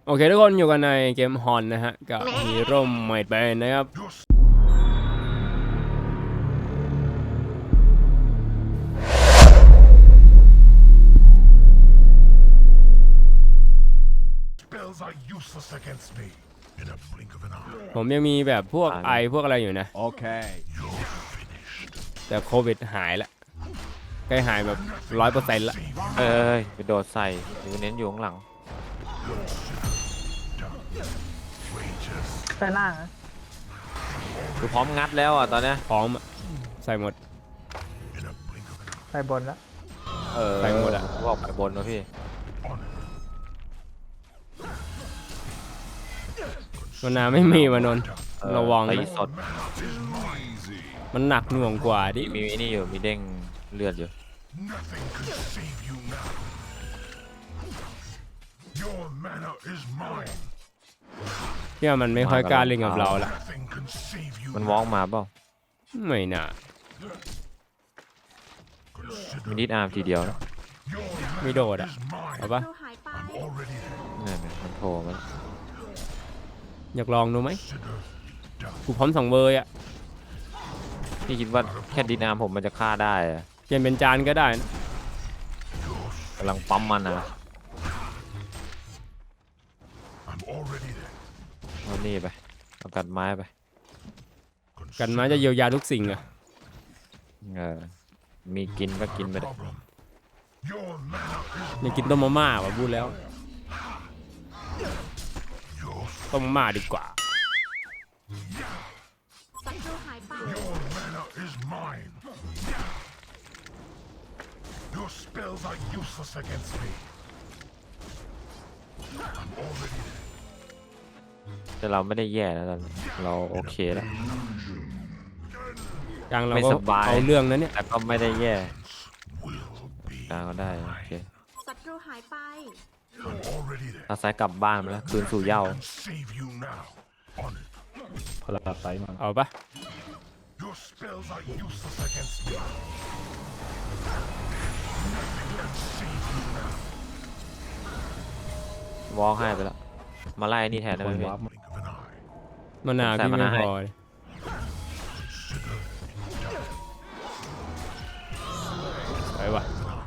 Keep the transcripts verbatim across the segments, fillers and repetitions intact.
โอเคทุกคนอยู่กันในเกมฮอนนะฮะกับฮีโร่ใหม่เป็นนะครับ ผมยังมีแบบพวกไอพวกอะไรอยู่นะโอเคแต่โควิดหายแล้วใกล้หายแบบร้อยเปอร์เซ็นต์ละเอ้ยไปโดดใส่หรือเน้นอยู่ข้างหลังใส่ล่างนะคือพร้อมงัดแล้วอ่ะตอนเนี้ยพร้อมใส่หมดใส่บนแล้วเออใส่หมดอ่ะบอกไปบนนะพี่มันนาไม่มีมานนระวังนะนะสดมันหนักหน่วงกว่าดิมีนี่อยู่มีเด้งเลือดอยู่ที่มันไม่ค่อยกล้าเล่นกับเราละมันว้องมาเปล่าไม่น่ามีนิดอาร์มทีเดียวนะไม่โดดอ่ะเอาปะนี่มันโผล่มาอยากลองดูไหมกูพร้อมสองเบอร์อ่ะพี่คิดว่าแค่ดินอาร์มผมมันจะฆ่าได้อะเปลี่ยนเป็นจานก็ได้นะกำลังปั๊มมันนะเอานี่ไปเอากัดไม้ไปกันมาจะเยียวยาทุกสิ่งอ่ะเออมีกินก็กินไปเลยอยากกินต้มมาม่าว่ะพูดแล้วต้มมาม่าดีกว่าแต่เราไม่ได้แย่แล้วเราโอเคแล้วกลางเราก็เอาเรื่องนั้นเนี่ยแต่ก็ไม่ได้แย่กลางก็ได้โอเคศัตรูหายไปถ้าไซกลับบ้านมาแล้วคืนสู่เหย้าพลังไซมาเอาปะวอลให้ไปแล้วมาไล่นี่แทนได้ไหมพี่มานาวพี่ไม่พอไปวะ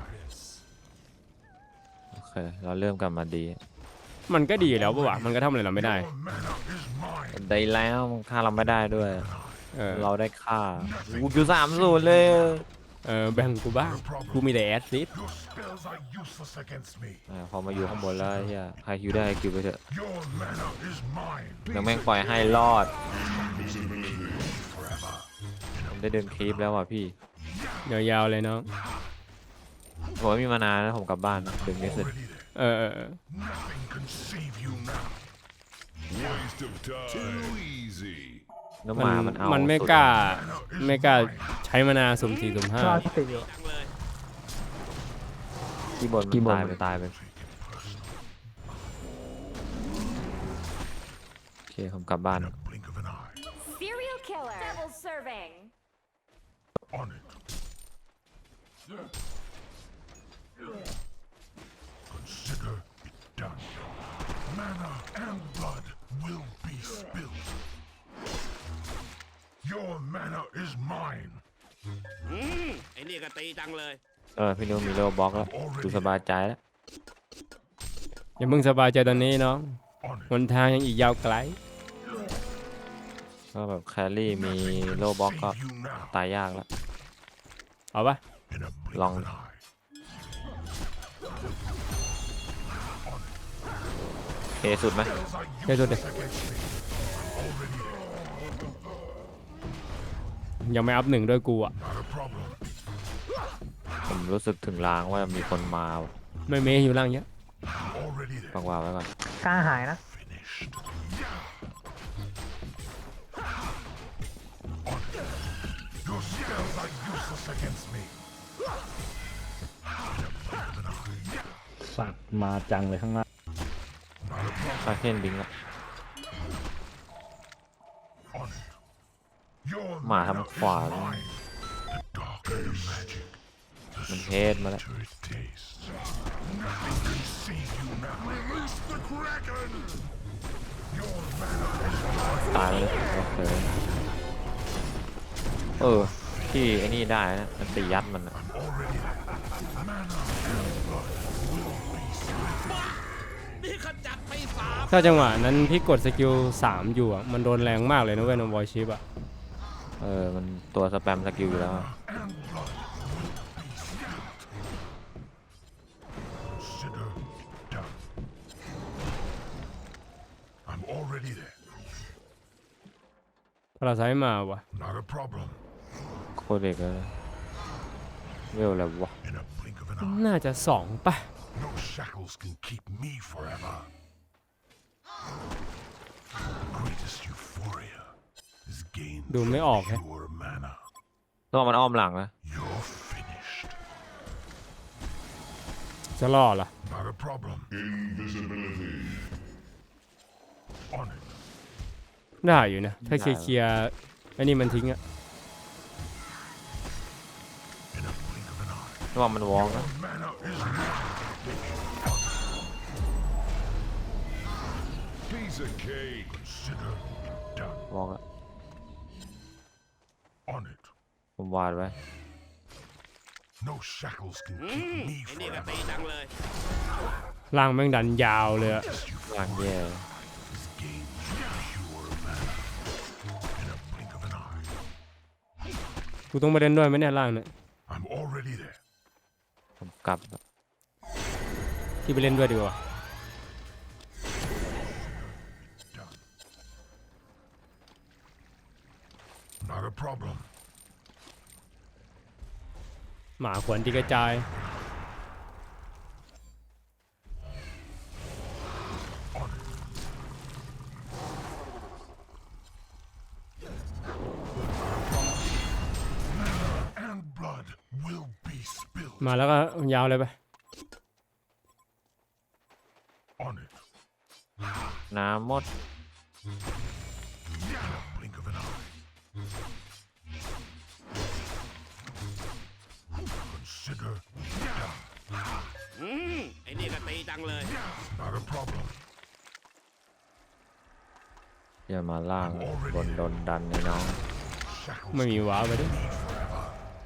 โอเคเราเริ่มกลับมาดีมันก็ดีแล้วปะวะมันก็ทำอะไรเราไม่ได้ได้แล้วฆ่าเราไม่ได้ด้วยเออเราได้ฆ่ากูอยู่สามศูนย์เลยเออแบ่งกูบ้างกูมีแต่แอสซิสพอมาอยู่ข้างบนแล้วเฮียใครคิวได้คิวไปเถอะยังแม่งปล่อยให้รอดได้เดินคลิปแล้วว่ะพี่ยาวๆเลยน้องผมไม่มีมานานแล้วผมกลับบ้านดึงไม่เสร็จเออเออน้ำหมามันเอามันไม่กล้าไม่กล้าใช้มานาสุ่มสี่สุ่มห้าที่บนมันตายไปตายไปโอเคผมกลับบ้าน Mana and blood will be spilled. Your mana is mine. อืมไอ้นี่ก็ตีจังเลยเออพี่นุ้มีโลบ็อกแล้วดูสบายใจแล้วอย่าเพิ่งสบายใจตอนนี้น้องหนทางยังอีกยาวไกลก็แบบแครี่มีโลบ็อกก็ตายยากแล้วเอาปะลองเทสุดไหมเทสุดเลยยังไม่อัพหนึ่งด้วยกูอ่ะผมรู้สึกถึงล้างว่ามีคนมาไม่เมย์อยู่ล่างเยอะฟังว่าไว้ก่อนกล้าหายนะสัตว์มาจังเลยข้างล่างคาเคนบิงอะหมาทำขวานมันเทสมาแล้ว To it tastes. Nothing can save you now. Release the Kraken! Your mana is ตายไปเลยโอเคเออที่ไอ้นี่ได้นะมันตียัดมันอะ already there. Mana and blood will be split. นี่ขจัดไปสามถ้าจังหวะนั้นพี่กดสกิลสามอยู่อ่ะมันโดนแรงมากเลยนะเว้ยนวอยชิปอ่ะเออมันตัวสแปมสกิลอยู่แล้ว And blood will be split. Consider done. I'm already there. พาราไซต์มาว่ะ Not a problem. โคตรเด็กเลยเวลอะไรวะ In a blink of an eye. น่าจะสองป่ะ No shackles can keep me forever. The greatest euphoria is gained ดูไม่ออก from แฮะ pure mana. ต้องมันอ้อมหลังนะ You're finished. จะล่อเหรอ Not a problem. Invisibility. On it. ได้อยู่นะ ถ้าเคลียร์เคลียร์ไอ้นี่มันทิ้งอ่ะ In a blink of an eye. ระวังมันวอล์กนะ Mana is mine. Piece of cake. Consider done. วอล์กอะ On it. ผมวาดไว้ No shackles can อื keep ม me ไอ้นี่ก็ forever. ตีจังเลยล่างแม่งดันยาวเลยอะหลังแย่ Is gained from pure mana. In a blink of an eye. กูต้องไปเล่นด้วยไหมเนี่ยล่างเนี่ย I'm already there. ผมกลับที่ไปเล่นด้วยดีกว่า Done. Not a problem. หมาขวนที่กระจาย On it. Mana and blood will be spilled. มาแล้วก็ยาวเลยไป On it. น้ำหมด In a blink of an eye. Consider done. อืมไอ้นี่ก็ตีจังเลย Not a problem. อย่ามาล่างบนโดนดันในน้อง Shackles ไม่มีว้าวไปด้วย me forever.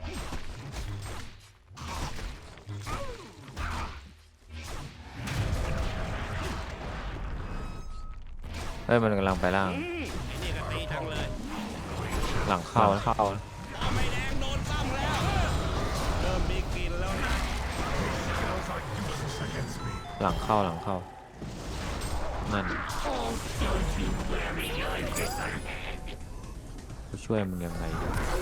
เฮ้ยมันกำลังไปล่างอืมไอ้นี่ก็ตีจังเลยหลังเข้านะเข้านะปอไม่แดงโดนซ้ำแล้ว เริ่มมีกลิ่นแล้วนะ Shackles are useless against me. หลังเข้าหลังเข้านั่นกูช่วยมึงยังไง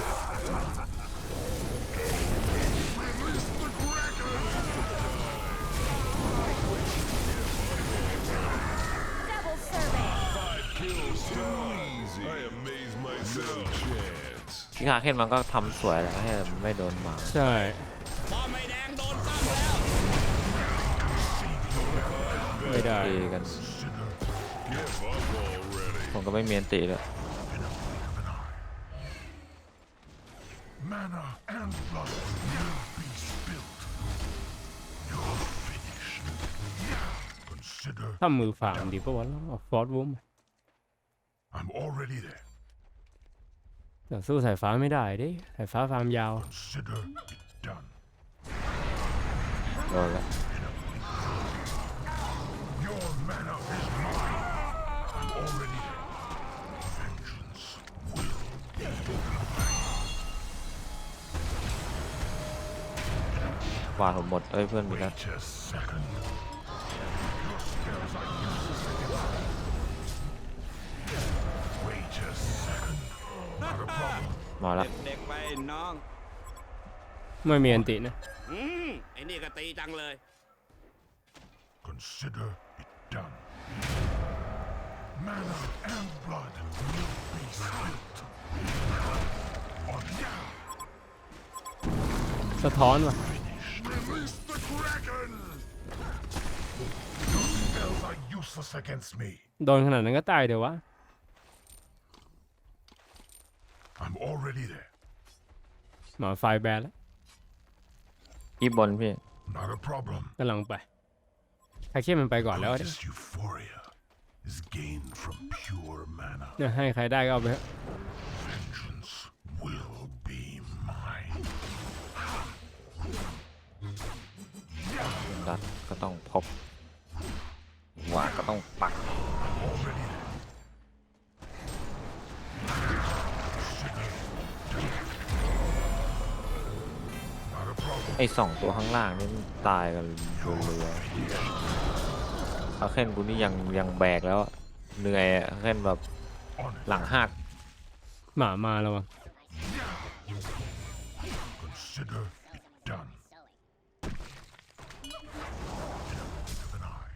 Double survey. Easy. I amaze myself. Chance. ที่คาเคนมันก็ทำสวยแหล้วให้มันไม่โดนหมาใช่ปอไม่แดงโดนซ้ำแล้วไม่ได้ตีกัน ผมก็ไม่เมียนตีเลย Mana and blood will be spilled. You're finished. Consider ถ้ามือฝ่ามดีปะวะฟอร์ดวูม I'm already there. แต่สู้สายฟ้าไม่ได้ดิสายฟ้าฟาร์มยาว Consider it done. โดนแล้ว Your mana is mine. I'm already there. Vengeance will be mine. วาดผมหมดเอ้ยเพื่อนมีแล้ว Wait a second. Your spells are useless against me. Wait a second. Not a problem. มาแล้วเด็กๆไปน้องไม่มีอันตินะอืมไอ้นี่ก็ตีจังเลย Consider it done. Mana and blood will be spilled. On now. สะท้อนว่ะ Release the Kraken! Your spells are useless against me. โดนขนาดนั้นก็ตายเดี๋ยววะ I'm already there. หมาไฟแบนแล้วอีบบนพี่ Not a problem. กำลังไปใครเข้มมันไปก่อนแล้วดิ This euphoria is gained from pure mana. เนี่ยให้ใครได้ก็เอาไปเถอะ Vengeance will be mine. ดัดก็ต้องพบว่าก็ต้องปัก Already there. ไอ้สองตัวข้างล่างนี่มันตายกันเรือๆอาเคนกูนี่ยังยังแบกแล้วอะเหนื่อยอะอาเคนแบบ On it. หลังหักหมามาแล้ววะ Consider it done. In a blink of an eye.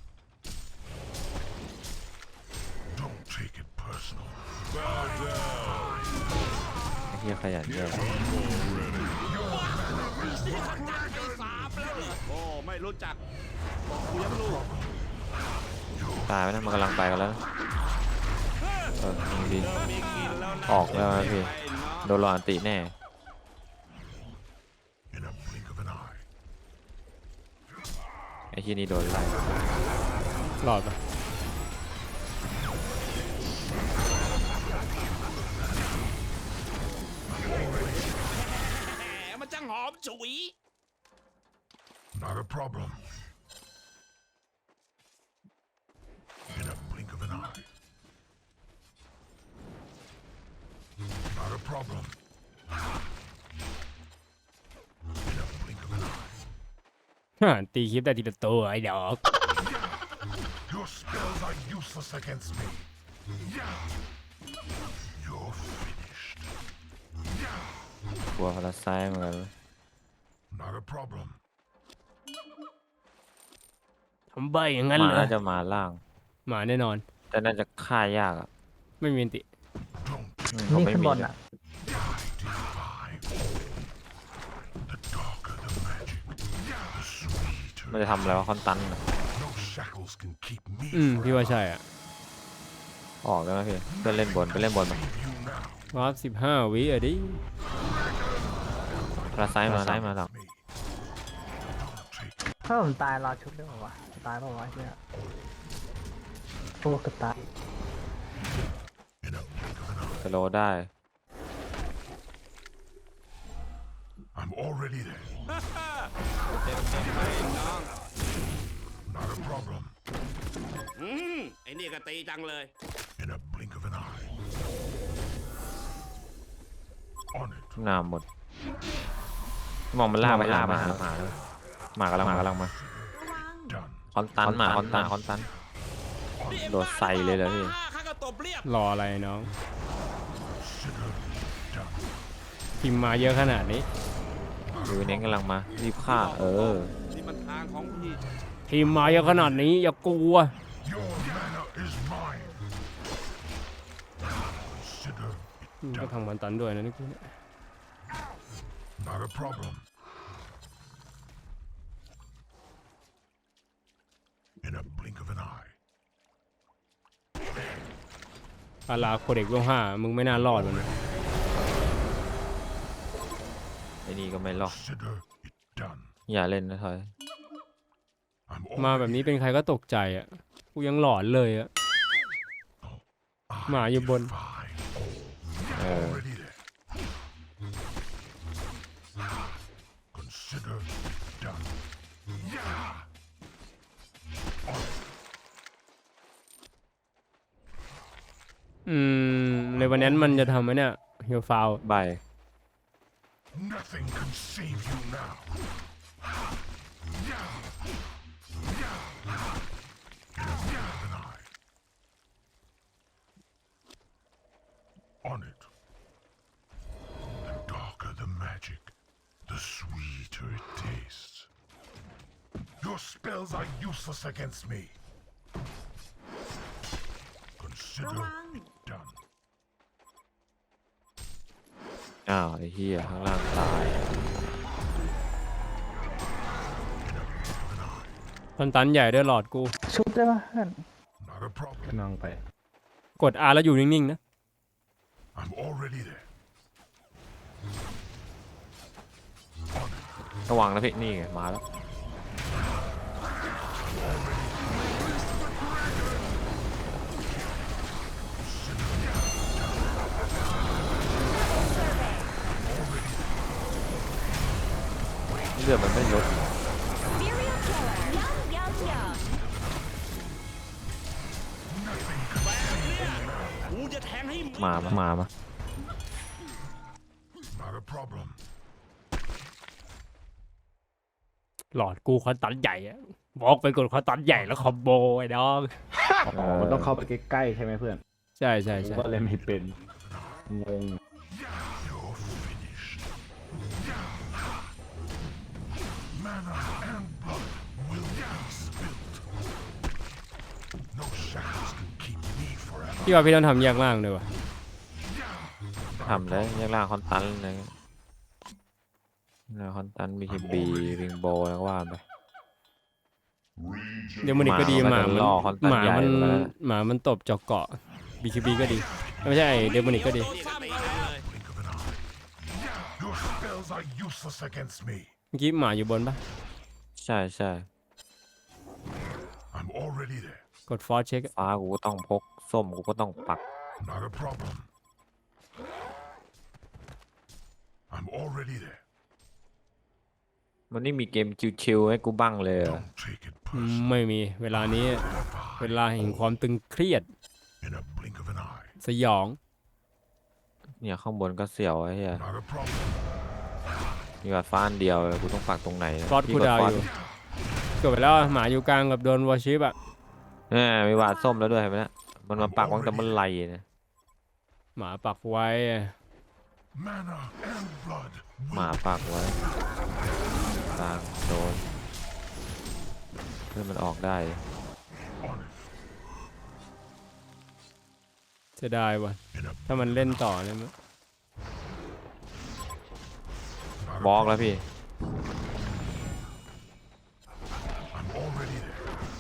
Don't take it personal. ไอ้เหี้ยขยันเยอะสามแล้วเหรอโอ้ไม่รู้จักบอกกูยังรู้ตายไปนะมันกำลังไปกันแล้วนะเออยิงดีเริ่มมีกินแล้วนะออกแล้วนะพี่ไอ้น้องโดนรออันติแน่ In a blink of an eye. ไอ้ที่นี่โดนไล่หลอดไปแหมมันจังหอมฉุย Not a problem. In a blink of an eye. Not a problem. In a blink of an eye. ฮ่าตีคลิปได้ทีละตัวไอ้ดอก Your spells are useless against me. You're finished. กลัวพาราไซต์เหมือนกัน Not a problem. ทำใบอย่างนั้นหเหมารอน่าจะมาล่างหมาแน่นอนแต่น่าจะฆ่ายากอ่ะไม่มีอันติ Don't อืมเขานี่ไม่ขึ้นมีบนเลยอ่ะ defy. The darker the magic, the sweeter. มันจะทำอะไรวะคอนตันน่ะ No shackles can keep me อืม from พี่ว่าใช่อ่ะออกได้ไหมพี่เพื่อนเล่นบนไปเล่นบนมา you now. วาร์ปสิบห้าวิอ่ะดิพาราไซต์มาไซต์มาหลัง Me. Don't take ถ้าผมตายรอชุบได้ป่าวะตายเปล่าวะเนี่ยโอ้เกับตาย in a blink of an eye. สโลว์ได้ I'm already there. เต็มเต็มไปน้อง Not a problem. อืมไอ้นี่ก็ตีจังเลย In a blink of an eye. On it. หน้าหมด มองมันล่ากไปหาหมาหมาหมากำลังหมากำลังมา Done. คอนตันหมาคอนตันคอนตัน โดดใส่เลยเหรอพี่ข้าก็ตบเรียบรออะไรน้อง Consider it done. พิมพ์มาเยอะขนาดนี้ดูเน้นกำลังมา รีบฆ่า เออนี่มันทางของพี่พิมพ์มาเยอะขนาดนี้อย่ากลัว Your mana is mine. Consider it อืมก็ done. ทางมันตันด้วยนะนี่กูเนี่ย Not a problem. In a blink of an eye. อาลาโคเด็กเวลห้ามึงไม่น่ารอดมันนะไอ้นี่ก็ไม่รอด Consider it done. อย่าเล่นนะทอย I'm มาแบบ already นี้เป็นใครก็ตกใจอ่ะ กูยังหลอนเลยอ่ะ หมาอยู่บน fine. เออ Already there. Consider it done. อืมในวันนั้นมันจะทำไหมเนี่ยเฮียฟาวใบ Nothing can save you now. An eye. On it. The darker the magic, the sweeter it tastes. Your spells are useless against me. Consider it done. อ้าวไอ้เหี้ยข้างล่างตายคอนตันใหญ่ด้วยหลอดกูชุบได้ปะเพื่อน Not a problem. กำลังไป กด R แล้วอยู่นิ่งๆนะ I'm already there. On it. ไประวังนะพี่นี่ไงมาแล้ว เลือดมันไม่ลด Serial killer. Yum, yum, yum. กูจะแทงให้มึงมามามามา Not a problem. หลอดกูคอนตันใหญ่อะบอกไปกดคอนตันใหญ่แล้วคอมโบไอ้น้องอ๋อมันต้องเข้าไปใกล้ๆใช่ไหมเพื่อนใช่ใช่ผมใช่ก็เลยไม่เป็นงง You're finished. Mana and blood will be spilt. No shackles can keep me forever. พี่ว่าพี่ต้องทำแยกล่างเลยวะทำแล้วแยกล่างคอนตันอะไรเงี้ยล่างคอนตันบีคีบีริงโบแล้วก็ว่าไปเดี๋ยวมันอีกก็ดีหหมามามันมันล่อคอนตันหมาใหญ่มันไปแล้วหมามันตบจอกเกาะบีคีบีก็ดีไม่ใช่เดมอนิกก็ดีซ้ำเขาแล้ว Blink of an eye. Your spells are useless against me. เมื่อกี้หมาอยู่บนปะใช่ใช่ I'm already there. กดฟอร์เช็คฟ้ากูก็ต้องพกส้มกูก็ต้องปัก Not a problem. I'm already there. มันนี่มีเกมชิวๆให้กูบ้างเลยเหรอ Don't take it personally. ไม่มีเวลานี้เวลาแห่งความตึงเครียด In a blink of an eye. สยองเนี่ยข้างบนก็เสียวไอ้เหี้ย Not a problem. มีวัดฟ้าอันเดียวเลยกูต้องปักตรงไหนฟอสพี่คูกดาวฟอสยู่เกิดไปแล้วหมาอยู่กลางกับโดนวอชิปอะเนี่ยมีวาดส้มแล้วด้วยเห็นไหมนะมันมาปักตั้งแต่เมื่อไหร่เนี่ยหมาปักไว้ Mana and blood หมาปักไว้กลางโดนเพื่อมันออกได้ on it. จะได้วะ In a ถ้ามันเล่นต่อเนี่ยมั้ย not a บล็อกแล้วพี่ I'm already there.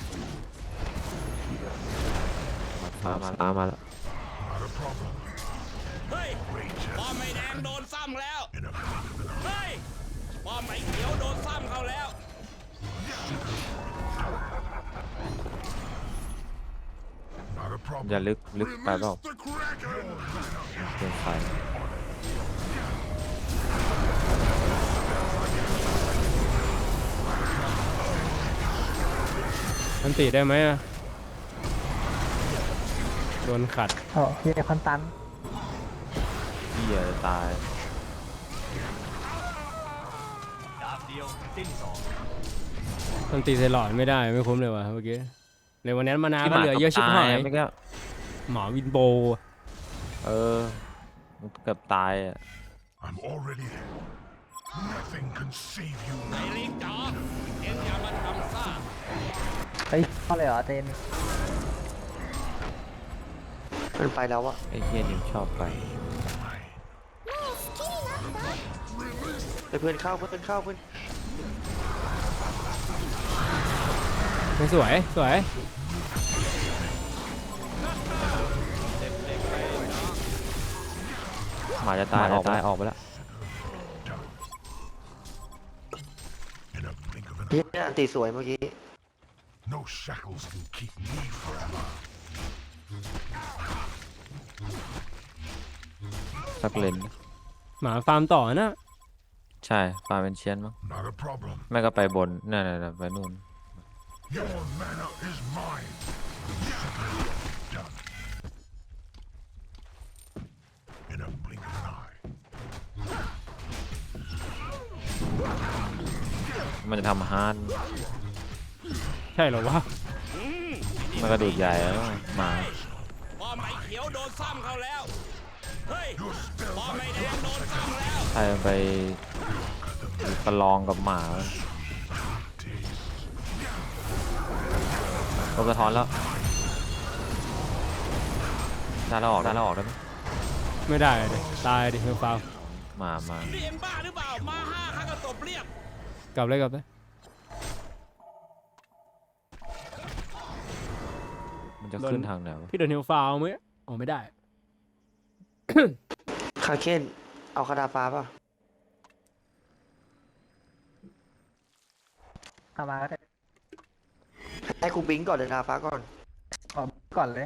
มามาตามมาแล้ว Not a problem. เฮ้ย Rage ป้อม has ไอ้แดงโดนซ้ำแล้ว in a blink of an eye. เฮ้ยป้อมไอ้เขียวโดนซ้ำเขาแล้ว Not a อย่า problem. ลึกลึกไปเปล่า Release the Kraken! เกินไปมันติได้ไหมอะโดนขัดโอ้เยคอนตันเหี้ยจะตายมันตีใส่หลอดไม่ได้ไม่คุ้มเลยวะเมื่อกี้ในวันนั้นมานาก็เหลือเยอะชิบหายไม่ก็หมาวินโบเออมันเกือบตายอ่ะ I'm already there. Nothing can save you ไอ้ now. ลิงจ๋อเอ็งอย่ามาทำซ่าเฮ้ยเข้าเลยเหรอเจนมันไปแล้วอะไอ้เหี้ยนี่ชอบไปไปเพื่อนเข้าเพื่อนเข้าเพื่อนไม่สวยสวยหมาจะตายออกตายออกไปแล้ว In a blink of an เฮี eye. ยอันตีสวยเมื่อกี้ No shackles can keep me forever. สักเลนหมาฟาร์มต่อนะใช่ฟาร์มเป็นเชียนมั้ง Not a problem. แม่ก็ไปบนนั่นน่ะไปนู่น Your mana is mine. Done. In a blink of an eye. มันจะทำฮาร์ดใช่เหรอวะมันกระดูดใหญ่แล้วหมาป้อมไอ้เขียวโดนซ้ำเขาแล้ว เฮ้ย Your spells ป้อม are ไอ้แดงโดนซ้ำแล้วใครไปประลองกับหมาโดนสะท้อนแล้วได้แล้วออกได้แล้วออกได้ไหมไม่ได้เลยตายดิเฮลฟาวหมามานี่เอ็งบ้าหรือเปล่า มาห้าข้าก็ตบเรียบกลับเลยกลับเลยมันจะขึ้นทางไหนวะพี่โดนเฮลฟาวไหมอ๋อไม่ได้คาเคนเอาคาดาฟ้าป่ะเข้ามาก็ได้ให้กูบิงก่อนเดินทาฟ้าก่อนออกก่อนเลย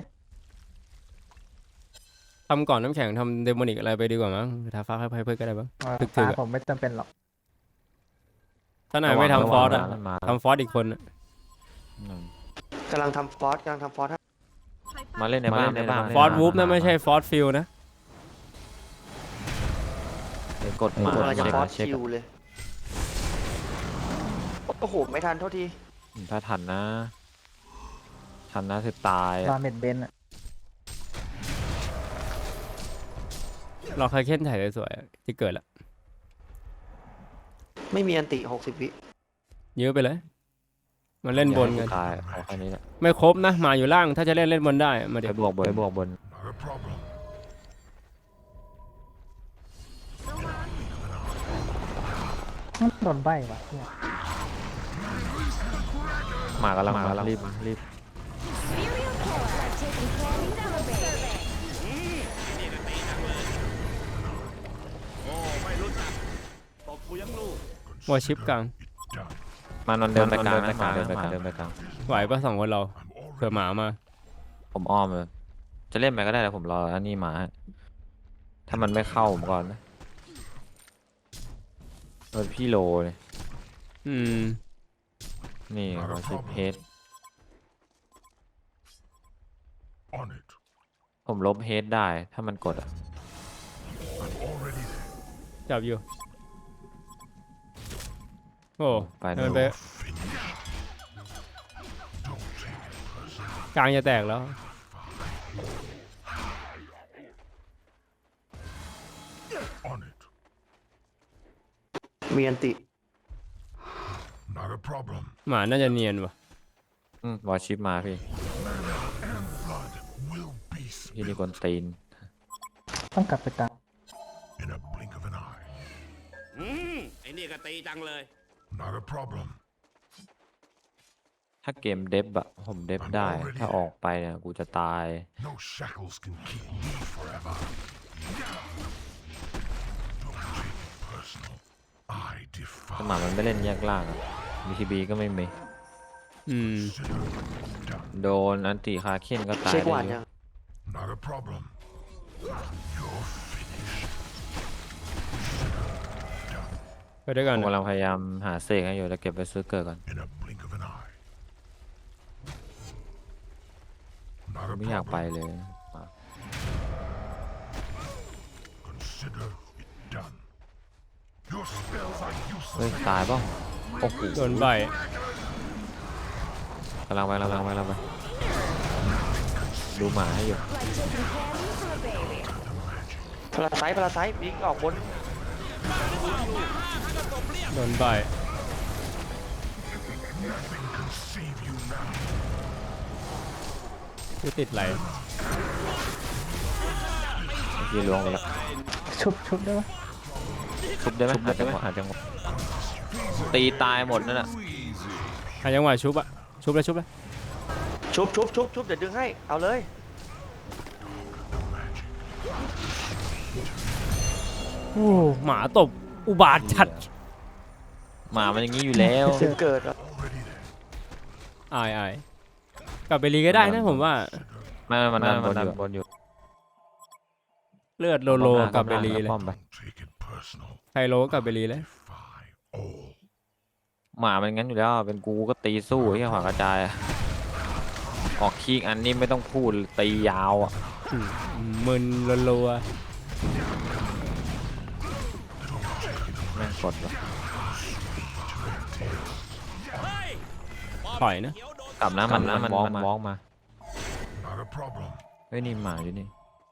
ทำก่อนน้ำแข็งทำเดโมนิกอะไรไปดีกว่ามั้งทาฟ้าให้เพื่อนก็ได้บ้างว่าถึกๆฟ้าอะผมไม่จำเป็นหรอกถ้านายไม่ทำฟอสอะมันมาทำฟอสอีกคนอะอืมกำลังทำฟอสกำลังทำฟอสให้มาเล่นในบ้านในบ้านฟอสวูฟนะไม่ใช่ฟอสฟิลนะเดี๋ยวกดหมากำลังจะเช็คฟอสเช็คคิวเลย โอ้โห ไม่ทันเท่าทีถ้าทันนะ ทันนะคือตายรออะเม็ดเบนอะเราเคยเค้นถ่ายสวยๆอะจะเกิดละไม่มีอันติหกสิบวิเยอะไปเลยมาเล่นบนกันตายเอาแค่นี้แหละไม่ครบนะหมาอยู่ล่างถ้าจะเล่นเล่นบนได้มาไปเดี๋ยวบวกบนไปบวกบน Not a problem. โดนใบว่ะเนี่ยหมากำลังมารีบรีบ Serial killer. Taking care of celebrating. โอ้ไม่รู้จักตบกูยังลูกวอชิปกลาง Done. มันมันเดินไปกลางนะหมาเดินไปกลางเดินไปกลางไหวปะสองคนเรา I'm เผื่อ already หมามาผมอ้อมเลยจะเล่นไปก็ได้แต่ผมรออันนี้หมาให้ถ้ามันไม่เข้าผมก่อนนะเออพี่โลเลยอืมนี่วอชิปเฮด on it. ผมลบเฮดได้ถ้ามันกดอ่ะ I'm already there. จับอยู่โอ้ไปให้นะมันไป You're finished. Don't take it personally. กลางจะแตกแล้ว On it. มีอันติ Not a problem. หมาน่าจะเนียนว่ะอืมวอชิปมาพี่ And blood will be พี่นี่ spilled กวนตีนต้องกลับไปกลาง in a blink of an eye. อืมไอ้นี่ก็ตีจังเลย Not a problem. ถ้าเกมเดฟอะผมเดฟได้ ถ้าออกไปเนี่ยกูจะตาย No shackles can keep me forever. Don't take it personal. I สมา defy. มันไม่เล่นแยกล่างอะบีทีบีก็ไม่มีอืม Consider it done. โดนอันติคาเคนก็ตายเช็คหวานได้เยยังอะ Not a problem. You're finished. ไปด้วยผกันมนะกำลังพยายามหาเสกให้อยู่แต่เก็บไปซื้อเกิดก่อน In a blink of an eye. Not a ไม่อยากไป problem. เลย Consider it done. Your spells are เฮ้ย useless. ตายป่ะโอ้โหโดนใบกำลังไปกำลังไปกำลังไปดูหมาให้อยู่ Like taking candy from a baby. พลาไซต์พลาไซต์บิงออกบนโดนใบ Nothing can save you now. กูติดไหลยีล้วงไปแล้วชุบชุบได้ปะชุบได้ไหมหาจังหวะหาจังหวะตีตายหมดนั่นแหละหาจังหวะชุบอะชุบเลยชุบเลยชุบชุบชุบชุบเดี๋ยวดึงให้ เอาเลยโอ้หมาตบอุบาทจัดหมามันอย่างนี้อยู่แล้วถึงเกิดอะ Already there. อายอายกลับไปรีก็ได้นะผมว่าไม่ไม่มันดันบนอยู่บนอยู่เลือดโลโลกลับไปรีเลยป้อมไป Don't take it personal. ไคโลกลับไปรีเลย Defy all. หมามันงั้นอยู่แล้วเป็นกูก็ตีสู้ไอ้เหี้ยขวางกระจายอะออกคีกอันนี้ไม่ต้องพูดตียาวอ่ะอืมมึนโลโลแม่งกดว่ะถอยนะกลับนะมันนะมันมองมองมา Not a problem. เฮ้ยนี่หมาอยู่นี่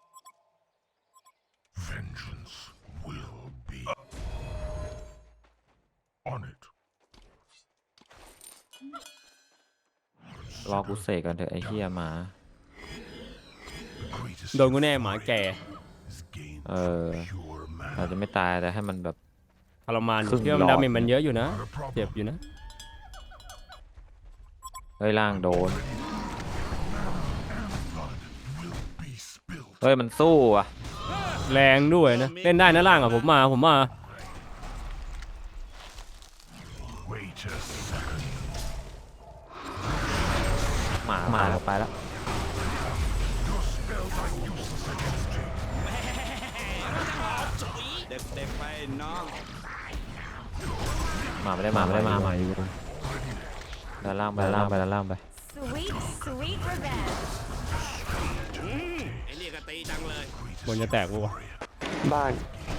Vengeance will be on it. รอกูเสกกันเถอะไอ้เหี้ยหมา The greatest โดนกูแน่หมาแก่ is gained เออ pure อาจ man. จะไม่ตายแต่ให้มันแบบทรมานครึ่งเที่ยวมันหลอดดาเมจมันเยอะอยู่นะ Not a เจ็บ problem. อยู่นะเฮ้ยล่างโดน Will be spilled. เฮ้ยมันสู้อ่ะแรงด้วยนะ เล่นได้นะล่างอ่ะผมมาผมมา Wait a second. น้องหมาไม่ได้หมาไม่ได้มาหมาอยู่ด้านล่างไปด้านล่างไปด้านล่างไป Sweet, sweet revenge. อืมไอ้นี่ก็ตีจังเลยบนจะแตกปะวะบ้าน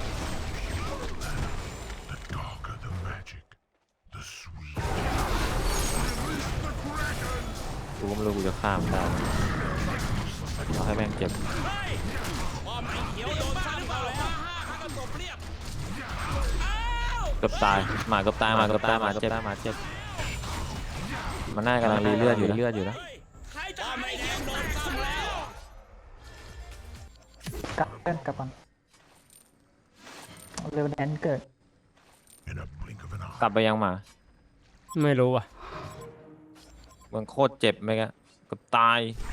The darker the magic, the sweet. กูก็ไม่รู้กูจะข้ามได้เอาให้แม่งเจ็บเฮ้ยพอไม้เขียวโดนซ้ำเข้าแล้วห้าก็ตบเรียบอ้าวเกือบตายหมาเกือบตายหมาเกือบตายหมาเจ็บหมาเจ็บมันน่ากำลังรีเลือดอยู่เลือดอยู่นะเฮ้ยใครจะไม้เขียวโดนซ้ำแล้วกลับเล่นกลับก่อนเร็วแนนเกิด In a blink of an eye. กลับไปยังหมาไม่รู้ว่ะมันโคตรเจ็บไหมกะเกือบตาย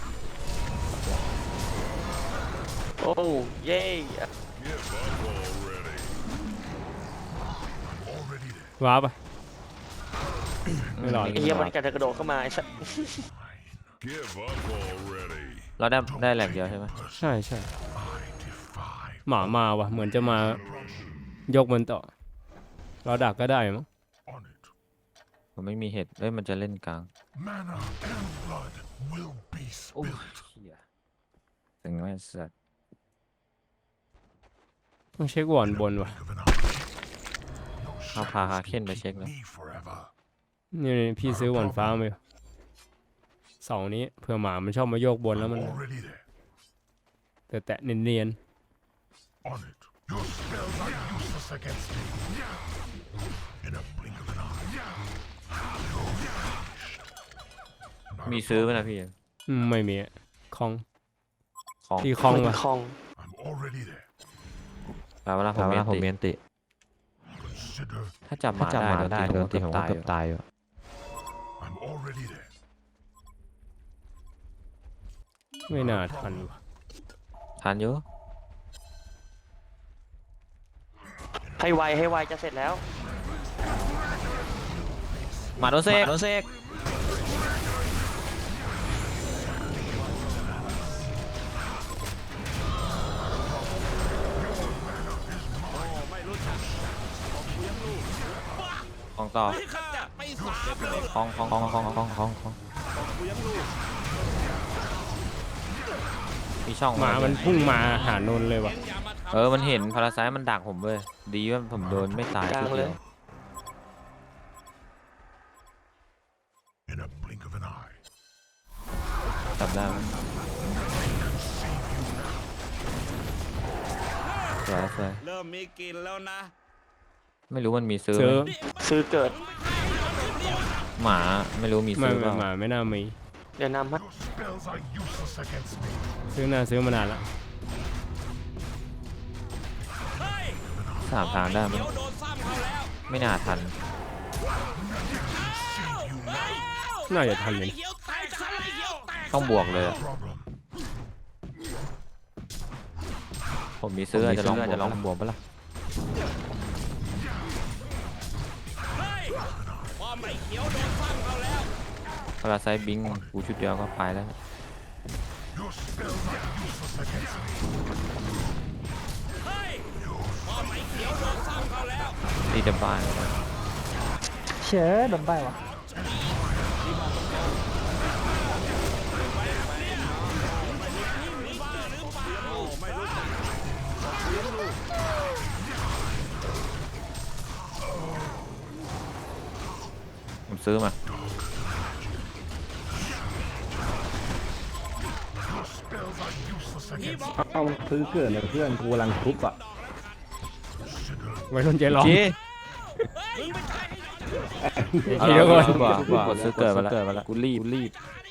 โอ้เย่ Already there. ว้าปะไม่หลอดไอ้เหี้ยมันกระโดดเข้ามาไอ้สัส Give up already. เราได้ได้แหลกเดียวใช่ไหมใช่ใช่ I defy หมามาวะเหมือนจะมายกมันต่อ เราดักก็ได้มั้ง on it. ผมไม่มีเห็ดเอ้ยมันจะเล่นกลาง Mana and blood will be โอ้ย spilled. เหี้ยถึงไม่สัตว์ต้องเช็ควอนบนวะ Blink of an eye. No เอาพาฮา shadows เคนไป can เช็ค keep แล้ว me forever. นี่พี่ซื้อวอนฟ้ามาอยู่เสานี้เผื่อหมามันชอบมาโยกบนแล้วมัน Already there. แต่แตะเนียน On it. Your spells are useless against me. In a blink of an eye. มีซื้อไหมนะพี่ๆอืมไม่มีอะคองของที่คองวะคลอง I'm already there. แปลว่าผมเมนผมเมนติ Consider ถ้าจับหมาได้โดนตีผมก็เกือบตายอยู่ I'm already there. ไม่น่าทันวะทานเยอะให้ไวให้ไวจะเสร็จแล้วหมาโดนเซกโดนเซกไม่รู้จักของต่อนี่ขจัดไปสามเลยของของของของของของของกูยังรู้มีช่องหมามันพุ่งมาหานนท์เลยวะเอ็งอย่ามาทำเออมันเห็นพาราไซต์มันดักผมเว้ยดีว่าผมโดนไม่ตายกลางทีเลเดียยว In a blink of an eye. จับได้ไหมสวยสวยเริ่มมีกลินแล้วนะไม่รู้มันมีซื้อซื้อไหมซื้อเกิดหมาไม่รู้มีไม่ซื้อเปไม่ล่าหมาไม่น่ามีเดี๋ยวนำฮะ Your spells are useless against me. ซื้อน่าซื้อมานานละเฮ้ยสามทางได้ไหมเขียวโดนซ้ำเขาแล้วไม่น่าทันน่าจะทันเลยไอ้เขียวแตกซ้ำไอ้เขียวแตกต้องบวกเลยอะ Problem. ผมมีซื้ออาจจะลองจะลองบวกปะล่ะเฮ้ยพอไม้เขียวโดนซ้ำเขาแล้วพาราไซต์บิงกูชุดเดียวก็ไปแล้ว Your spells are useless against me. เฮ้ยพอไม้เขียวโดนซ้ำเขาแล้วตีจะบ้านเชื่อโดนใบวะผมซื้อมา Your spells are useless against me. เอาซื้อเกิดเลยเพื่อนกูกำลังทุบอ่ะไว้รุ่นใจร้อนจีเดี๋ยวก่อนกว่ากดซื้อเกิดมาแล้วกูรีบกูรีบ